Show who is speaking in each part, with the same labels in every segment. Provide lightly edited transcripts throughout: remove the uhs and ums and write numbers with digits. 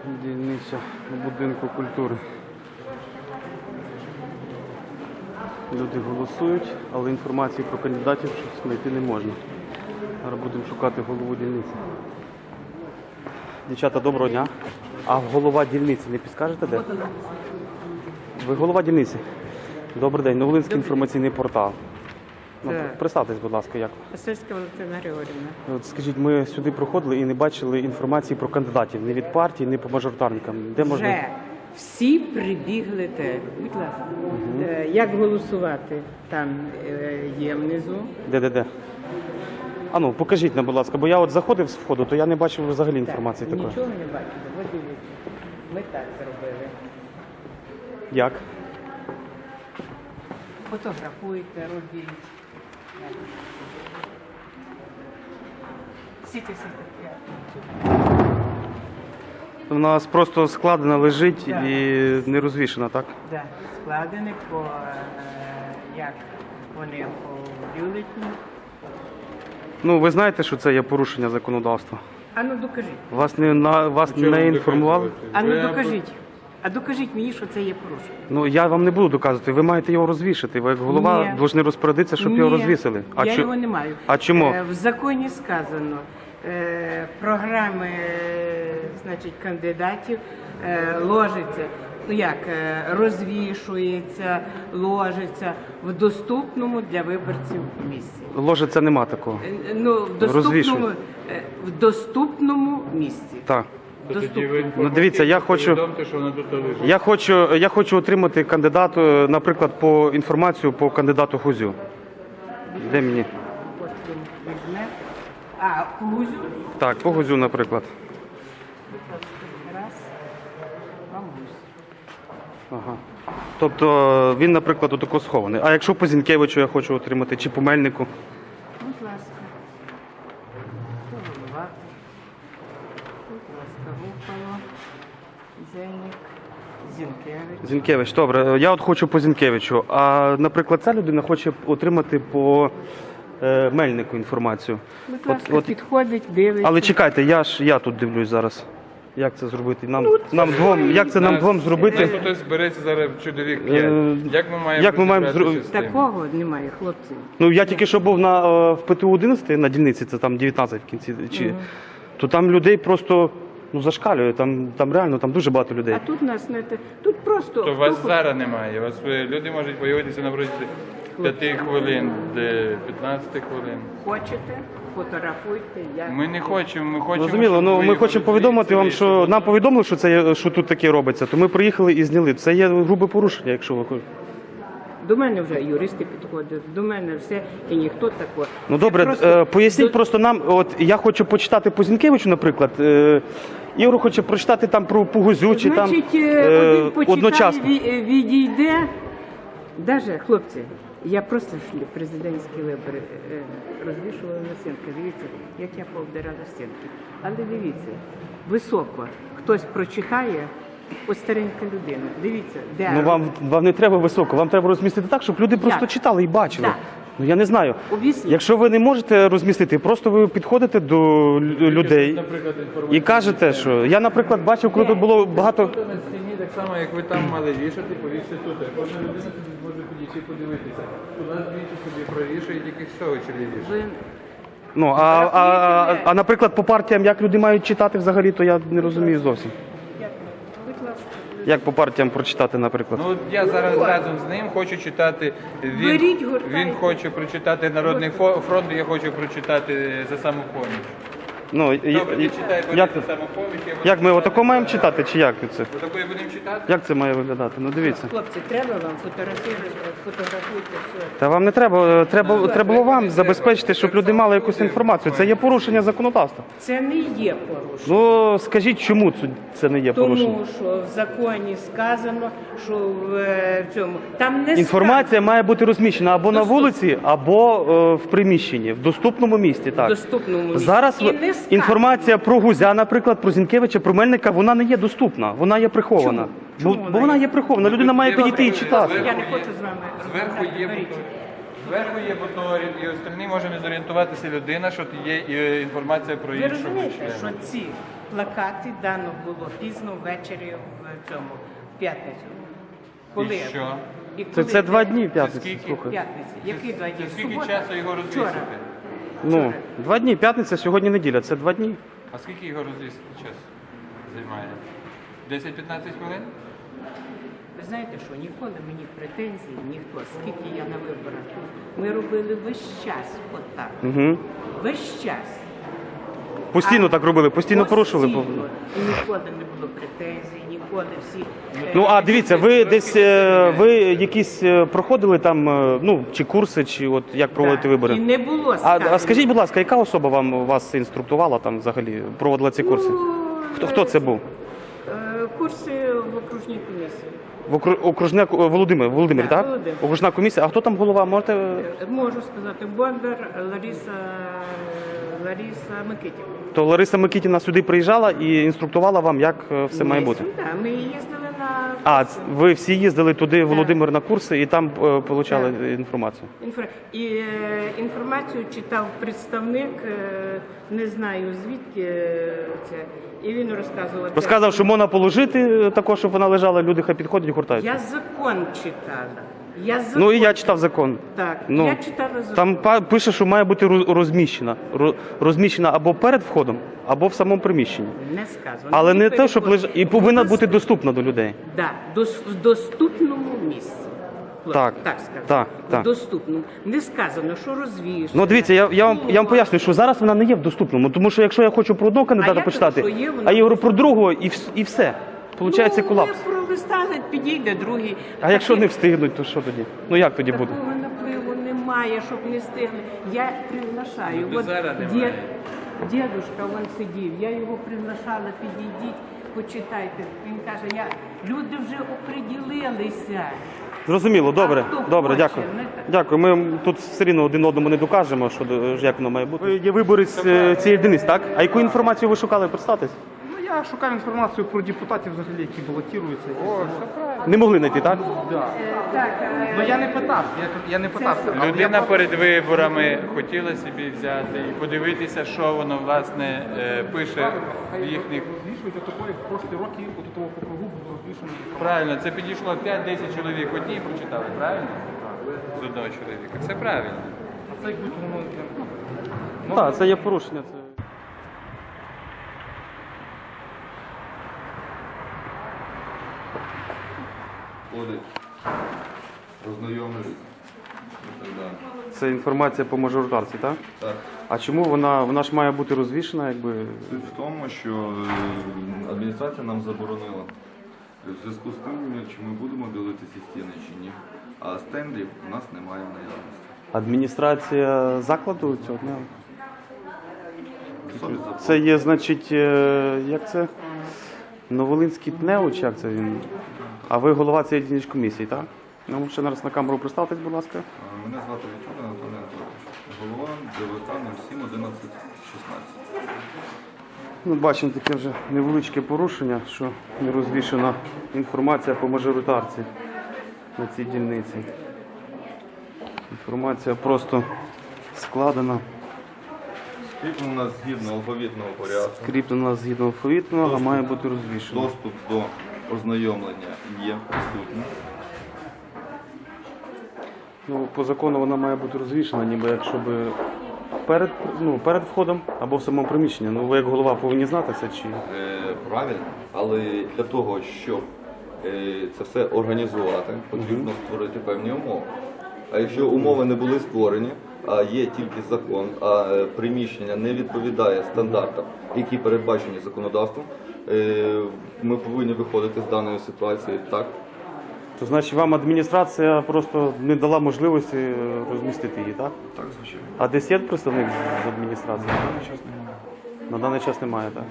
Speaker 1: Дільниця будинку культури. Люди голосують, але інформації про кандидатів щось знайти не можна. Зараз будемо шукати голову дільниці. Дівчата, доброго дня. А голова дільниці не підскажете де? Ви голова дільниці? Добрий день. Новолинський інформаційний портал. Представтесь, будь ласка, як?
Speaker 2: Васильська Валентина Григорівна.
Speaker 1: От скажіть, ми сюди проходили і не бачили інформації про кандидатів. Ні від партії, ні по мажоритарникам. Де можна?
Speaker 2: Вже всі прибігли те. Будь ласка. Як голосувати? Там є внизу.
Speaker 1: Де? А ну, покажіть нам, будь ласка, бо я от заходив з входу, то я не бачив взагалі інформації такої.
Speaker 2: Нічого не бачили. От дивіться. Ми так зробили.
Speaker 1: Як?
Speaker 2: Фотографуйте, робіть. Сіти.
Speaker 1: У нас просто складена лежить і не розвішена, так?
Speaker 2: Так, складені по, як вони по бюлетні.
Speaker 1: Ну, ви знаєте, що це є порушення законодавства?
Speaker 2: А ну докажіть.
Speaker 1: Вас не інформували?
Speaker 2: А ну докажіть. А докажіть мені, що це є порушення.
Speaker 1: Ну, я вам не буду доказувати, ви маєте його розвішати. Ви як голова повинні розпорядитися, щоб його розвісили.
Speaker 2: Я його не маю.
Speaker 1: А чому?
Speaker 2: В законі сказано, програми, значить, кандидатів ложиться, ну як, розвішується, ложиться в доступному для виборців місці.
Speaker 1: Ложиться нема такого.
Speaker 2: Ну, в доступному місці.
Speaker 1: Так.
Speaker 2: Доступному.
Speaker 1: Ну, дивіться, я хочу отримати кандидату, наприклад, по інформацію по кандидату Гузю. Де мені?
Speaker 2: От він візьме. А, по Гузю?
Speaker 1: Так, по Гузю, наприклад.
Speaker 2: Раз. Вам Гузь.
Speaker 1: Ага. Тобто він, наприклад, отако схований. А якщо по Зінкевичу я хочу отримати, чи по Мельнику?
Speaker 2: Будь ласка. Голова. Будь ласка, Гупало. Зенік. Зінкевич.
Speaker 1: Зінкевич, добре. Я от хочу по Зінкевичу. А, наприклад, ця людина хоче отримати по Мельнику інформацію.
Speaker 2: Будь ласка, підходить, дивиться.
Speaker 1: Але чекайте, я тут дивлюсь зараз. Як це зробити? Нам двом зробити?
Speaker 3: Хтось збереться зараз чоловік 5. Як ми маємо
Speaker 1: зробити?
Speaker 2: Такого немає, хлопці.
Speaker 1: Ну, я тільки що був в ПТУ 11 на дільниці, це там 19 в кінці. То там людей просто зашкалює, там реально дуже багато людей.
Speaker 2: А тут нас не те. Тут просто.
Speaker 3: То вас зараз немає. Люди можуть появитися на протязі 5 хвилин, 15 хвилин.
Speaker 2: Хочете, фотографуйте.
Speaker 3: Ми не хочемо, ми хочемо.
Speaker 1: Розуміло, ну ми хочемо повідомити вам, що нам повідомили, що тут таке робиться, то ми приїхали і зняли. Це є грубе порушення, якщо ви хочете.
Speaker 2: До мене вже юристи підходять, до мене все, і ніхто такого.
Speaker 1: Ну добре, поясніть просто нам, от я хочу почитати по Зінкевичу, наприклад, Ігор хоче прочитати там про Гузю, чи там
Speaker 2: один почитає,
Speaker 1: одночасно.
Speaker 2: відійде. Даже, хлопці, я просто президентські вибори розвішувала на стінки. Дивіться, як я повдирала стінки. Але дивіться, високо хтось прочитає, ось старенька людина. Дивіться, де...
Speaker 1: Ну вам не треба високо, вам треба розмістити так, щоб люди просто читали і бачили.
Speaker 2: Так.
Speaker 1: Ну я не знаю.
Speaker 2: Об'ясніть.
Speaker 1: Якщо ви не можете розмістити, просто ви підходите до людей і кажете, що я, наприклад, бачив, коли тут було багато.
Speaker 3: На стіні так само, як ви там мали вішати, повісти тут. Кожна людина собі може підійти і подивитися. У нас двічі собі провішує, тільки з цього чолі вішає.
Speaker 1: Ну, а наприклад, по партіям, як люди мають читати взагалі, то я не розумію зовсім.
Speaker 2: Будь ласка.
Speaker 1: Як по партіям прочитати, наприклад?
Speaker 3: Ну, я зараз разом з ним хочу читати. Він хоче прочитати Народний фронт, я хочу прочитати за самопоміч.
Speaker 1: Ну,
Speaker 3: Добре, ти читай за самопоміч.
Speaker 1: як ми отако маємо читати, чи як це?
Speaker 3: Отакої будемо читати?
Speaker 1: Як це має виглядати? Ну, дивіться.
Speaker 2: Хлопці, треба вам фотографуйте все.
Speaker 1: Та вам не треба, треба було вам забезпечити, щоб люди мали якусь інформацію. Це є порушення законодавства.
Speaker 2: Це не є порушення.
Speaker 1: Ну, скажіть, чому це не є порушення?
Speaker 2: Тому що в законі сказано, що в цьому там не
Speaker 1: Інформація має бути розміщена або на вулиці, або в приміщенні, в доступному місці. Так.
Speaker 2: в доступному місці.
Speaker 1: Зараз
Speaker 2: І не сказано.
Speaker 1: інформація про Гузя, наприклад, про Зінкевича, про Мельника, вона не є доступна, вона є прихована.
Speaker 2: Чому
Speaker 1: Бо вона є прихована, людина має підійти і читати.
Speaker 2: Я не хочу з вами
Speaker 3: Зверху є
Speaker 2: розмовляти.
Speaker 3: Зверху є мотор, і остальні може не зорієнтуватися людина, що є інформація про
Speaker 2: Ви
Speaker 3: іншого
Speaker 2: розумієте, що
Speaker 3: члена.
Speaker 2: ці плакати дано було пізно ввечері в цьому в п'ятницю. Коли?
Speaker 3: І що?
Speaker 2: І
Speaker 1: Це
Speaker 2: коли?
Speaker 1: 2 дні
Speaker 3: Це
Speaker 1: п'ятниці,
Speaker 3: скільки?
Speaker 1: слухай.
Speaker 2: П'ятниці. Які 2 дні?
Speaker 3: Це скільки
Speaker 2: Субота?
Speaker 3: часу його розвісити?
Speaker 2: Вчора.
Speaker 1: Ну, 2 дні, п'ятниця, сьогодні неділя, це 2 дні.
Speaker 3: А скільки його розвісити час займає? 10-15 хвилин?
Speaker 2: Ви знаєте що, ніколи мені претензій ніхто, скільки я на виборах. Ми робили весь час отак.
Speaker 1: Угу.
Speaker 2: Весь час.
Speaker 1: Постійно так робили, постійно порушували.
Speaker 2: Постійно. І ніколи не було претензій, ніколи всі...
Speaker 1: Ну, а дивіться, ви десь, ви якісь проходили там, ну, чи курси, чи от як проводити
Speaker 2: І
Speaker 1: вибори?
Speaker 2: не було
Speaker 1: А
Speaker 2: сказано.
Speaker 1: скажіть, будь ласка, яка особа вас інструктувала там взагалі, проводила ці курси? Хто це був?
Speaker 2: Курси в окружній комісії.
Speaker 1: Окружняк Володимир,
Speaker 2: Так,
Speaker 1: так?
Speaker 2: Володимир.
Speaker 1: Окружна комісія. А хто там голова? Можете?
Speaker 2: Можу сказати, Бондар Лариса Микитівна.
Speaker 1: То Лариса Микитівна сюди приїжджала і інструктувала вам, як все має бути.
Speaker 2: Так, ми їздили на
Speaker 1: А, ви всі їздили туди, Володимир, на курси і там отримали інформацію?
Speaker 2: Інформацію читав представник, не знаю звідки це, і він розказував.
Speaker 1: Розказав, що можна положити також, щоб вона лежала, люди хай підходять і гуртають.
Speaker 2: Я закон читала.
Speaker 1: Ну і я читав закон.
Speaker 2: Так,
Speaker 1: Ну,
Speaker 2: я читала закон.
Speaker 1: там пише, що має бути розміщена. Розміщена або перед входом, або в самому приміщенні.
Speaker 2: Не сказано.
Speaker 1: Але не те,
Speaker 2: переходить.
Speaker 1: щоб лежати. І повинна бути доступна до людей.
Speaker 2: Да, в доступному місці.
Speaker 1: Так,
Speaker 2: так скажу.
Speaker 1: так, так.
Speaker 2: В доступному. Не сказано, що розвішено.
Speaker 1: Ну дивіться, я вам поясню, що зараз вона не є в доступному, тому що якщо я хочу про одного кандидата
Speaker 2: я
Speaker 1: почитати,
Speaker 2: кажу, що є, вона
Speaker 1: а я говорю про другого і все. Получається колапс.
Speaker 2: Ви пролистали, підійде другий.
Speaker 1: А якщо не встигнуть, то що тоді? Ну як тоді буде?
Speaker 2: Такого напливу немає, щоб не встигли. Я приглашаю.
Speaker 3: Ну, зараз немає.
Speaker 2: Дідушка вон сидів, я його приглашала, підійдіть, почитайте. Він каже, люди вже оприділилися.
Speaker 1: Зрозуміло, добре,
Speaker 2: А хто
Speaker 1: добре,
Speaker 2: хоче,
Speaker 1: дякую.
Speaker 2: не так.
Speaker 1: Дякую. Ми тут все рівно один одному не докажемо, що як воно має бути. Ви є виборець цієї одиниці, так? А яку інформацію ви шукали? Представтесь?
Speaker 4: Ну, я шукав інформацію про депутатів, взагалі, які балотуються.
Speaker 1: Не могли знайти, так?
Speaker 4: Ну я не питав, я не питався. але
Speaker 3: Людина
Speaker 4: я
Speaker 3: перед виборами хотіла собі взяти і подивитися, що воно власне пише в їхніх.
Speaker 4: розвішують отакої в прошлі роки, от того округу було розвішено.
Speaker 3: Правильно, це підійшло 5-10 чоловік одні прочитали, правильно? З одного чоловіка. Це правильно.
Speaker 4: А це як будь воно...
Speaker 1: Так, це є порушення. Це...
Speaker 5: Ходить, ознайомились і так далі.
Speaker 1: Це інформація по мажоритарці, так?
Speaker 5: Так.
Speaker 1: А чому вона ж має бути розвішена, якби.
Speaker 5: Суть в тому, що адміністрація нам заборонила. В зв'язку з тим, чи ми будемо ділитися стіни чи ні. А стендів у нас немає в наявності.
Speaker 1: Адміністрація закладу цього дня?
Speaker 5: Собі заборонено.
Speaker 1: Це є, значить, як це? Новолинський ТНЕО, чи як це він? А ви голова цієї дільничкомісії, так? Ну, ще раз на камеру представтесь, будь ласка.
Speaker 5: Мене звати Віталій Анатолій Анатолійович. Голова ДВК 07 11 16.
Speaker 1: Ну, бачимо таке вже невеличке порушення, що не розвішена інформація по мажоритарці на цій дільниці. Інформація просто складена,
Speaker 5: Скріплено згідно алфавітного порядку.
Speaker 1: скріплена згідно алфавітного, а має бути розвішена.
Speaker 5: Доступ до ознайомлення є присутній.
Speaker 1: Ну, по закону вона має бути розвішена, ніби якщо би перед входом або в самому приміщенні. Ну, ви як голова повинні знати це чи...
Speaker 5: Правильно, але для того, щоб це все організувати, потрібно створити певні умови. А якщо умови не були створені, а є тільки закон, а приміщення не відповідає стандартам, які передбачені законодавством, ми повинні виходити з даної ситуації так.
Speaker 1: То значить вам адміністрація просто не дала можливості розмістити її, так?
Speaker 5: Так, звичайно.
Speaker 1: А десь є представник з адміністрації?
Speaker 5: На даний час немає.
Speaker 1: На даний час немає, так?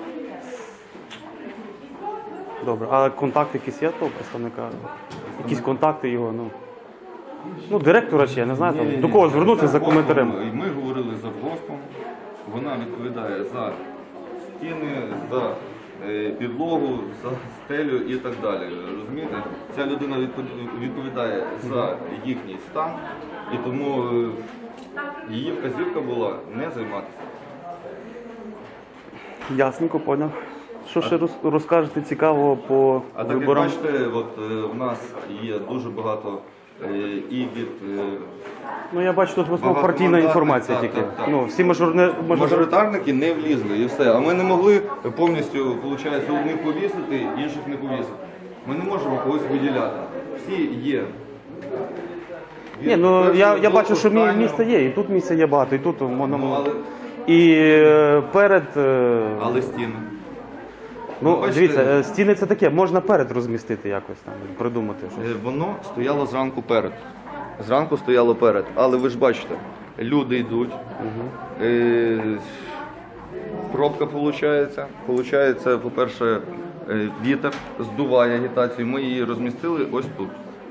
Speaker 1: Добре. А контакт якийсь є того представника? Якісь контакти його, ну директора чи я не знаю, там, до кого звернутися за коментарем?
Speaker 5: Ми говорили з завгоспом, вона відповідає за стіни, за підлогу, за стелю і так далі. Розумієте? Ця людина відповідає за їхній стан, і тому її вказівка була не займатися.
Speaker 1: Ясненько, поняв. Що ще розкажете цікавого по
Speaker 5: А так як
Speaker 1: виборам?
Speaker 5: бачите, от в нас є дуже багато і від
Speaker 1: Ну я бачу, тут в основному
Speaker 5: багато
Speaker 1: партійна
Speaker 5: мандатних,
Speaker 1: інформація
Speaker 5: так,
Speaker 1: тільки.
Speaker 5: так, так.
Speaker 1: Ну, всі
Speaker 5: мажоритарники не влізли і все. А ми не могли повністю, виходить, одних повісити, інших не повісити. Ми не можемо когось виділяти. Всі є.
Speaker 1: Ні, ну я
Speaker 5: Першого
Speaker 1: бачу, що
Speaker 5: останнього.
Speaker 1: місце є, і тут місце є багато, і тут
Speaker 5: Ну, але,
Speaker 1: і перед.
Speaker 5: але стіни.
Speaker 1: Ну,
Speaker 5: бачите-
Speaker 1: дивіться, стіни це таке, можна перед розмістити якось там, придумати щось.
Speaker 5: Воно стояло зранку перед. Зранку стояло перед. Але ви ж бачите, люди йдуть. Пробка виходить. Получається, по-перше, вітер здуває агітацію. Ми її розмістили ось тут.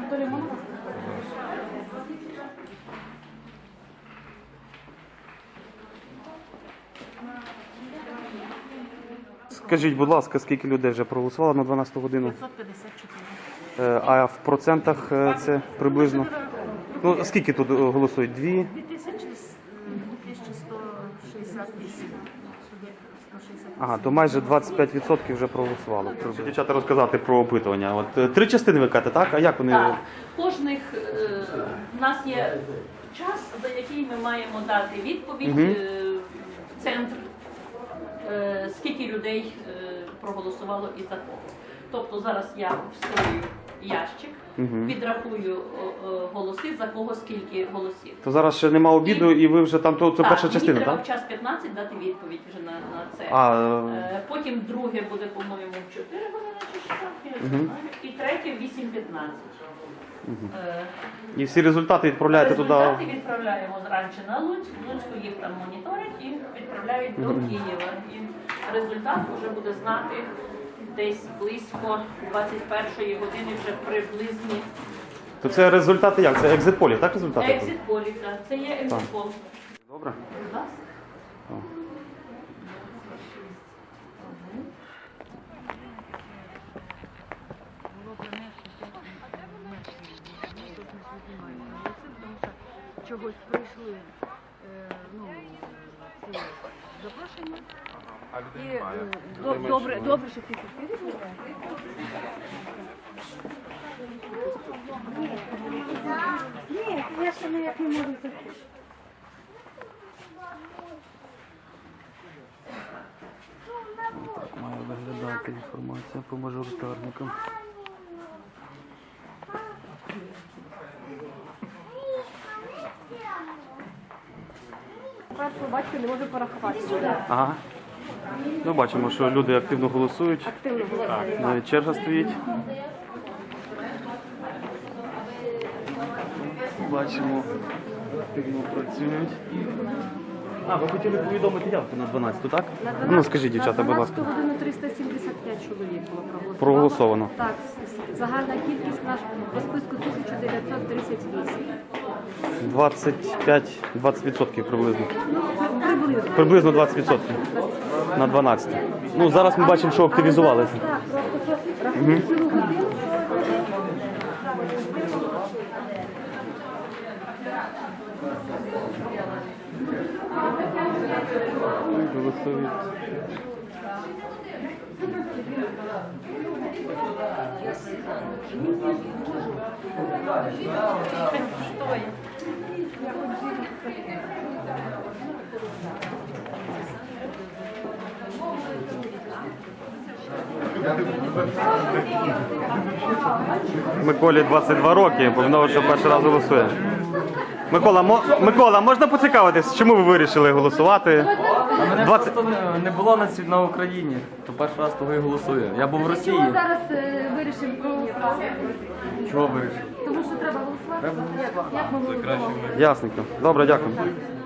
Speaker 1: Скажіть, будь ласка, скільки людей вже проголосувало на 12 годину?
Speaker 6: 554.
Speaker 1: А в процентах це приблизно? Ну, скільки тут голосують? 2?
Speaker 6: 2168.
Speaker 1: Ага, то майже 25% вже проголосувало. Дівчата розказати про опитування. От 3 частини ви кажете, так? А як вони?
Speaker 6: Так, кожних у нас є час, за який ми маємо дати відповідь в центр, скільки людей проголосувало і за кого. Тобто зараз я вставлю ящик, підрахую голоси, за кого скільки голосів.
Speaker 1: То зараз ще нема обіду, і ви вже там, то це перша частина,
Speaker 6: мені треба
Speaker 1: так?
Speaker 6: в час 15 дати відповідь вже на це. Потім друге буде, по-моєму, в 4 години чи що, я не знаю. І третє в 8:15.
Speaker 1: І всі результати відправляєте туди.
Speaker 6: Результати відправляємо зранку на Луцьк. В Луцьку їх там моніторять і відправляють до Києва. І результат вже буде знати десь близько 21-ї години, вже приблизні.
Speaker 1: То це результати як? Це екзит-полі, так результати?
Speaker 6: Екзит-полі, так. Це є екзит-пол.
Speaker 1: Добре.
Speaker 6: Будь ласка.
Speaker 7: Чогось прийшли це запрошення. І добре, що ти підписуєш. Ні, я ще ніяк не можу зайти.
Speaker 1: Має виглядати інформація по мажоритарникам.
Speaker 7: Першого батька не може порахувати.
Speaker 1: Ага. Ну, бачимо, що люди активно голосують.
Speaker 7: Активно голосує.
Speaker 1: Навіть черга стоїть. Бачимо, активно працюють. А, ви хотіли повідомити явку на 12, так? Ну, скажіть, дівчата, будь ласка.
Speaker 7: На 12 годину 375 чоловік було проголосовано.
Speaker 1: Проголосовано.
Speaker 7: Так, загальна кількість наша по списку 1938. 20% приблизно. Приблизно.
Speaker 1: Приблизно 20% на 12. Ну, зараз ми бачимо, що активізувалися.
Speaker 7: Так, просто що рахуємо цілу годину.
Speaker 1: Голосують. Миколі 22 роки, бо в що перший раз голосує. Микола, можна поцікавитись, чому ви вирішили голосувати?
Speaker 8: Мене просто не було на Україні, то перший раз того і голосую. Я був в Росії.
Speaker 7: Чому зараз вирішимо проголосувати?
Speaker 8: Чого вирішив?
Speaker 7: Тому що треба голосувати. Як ми голосуємо?
Speaker 1: Ясненько. Добре, дякую.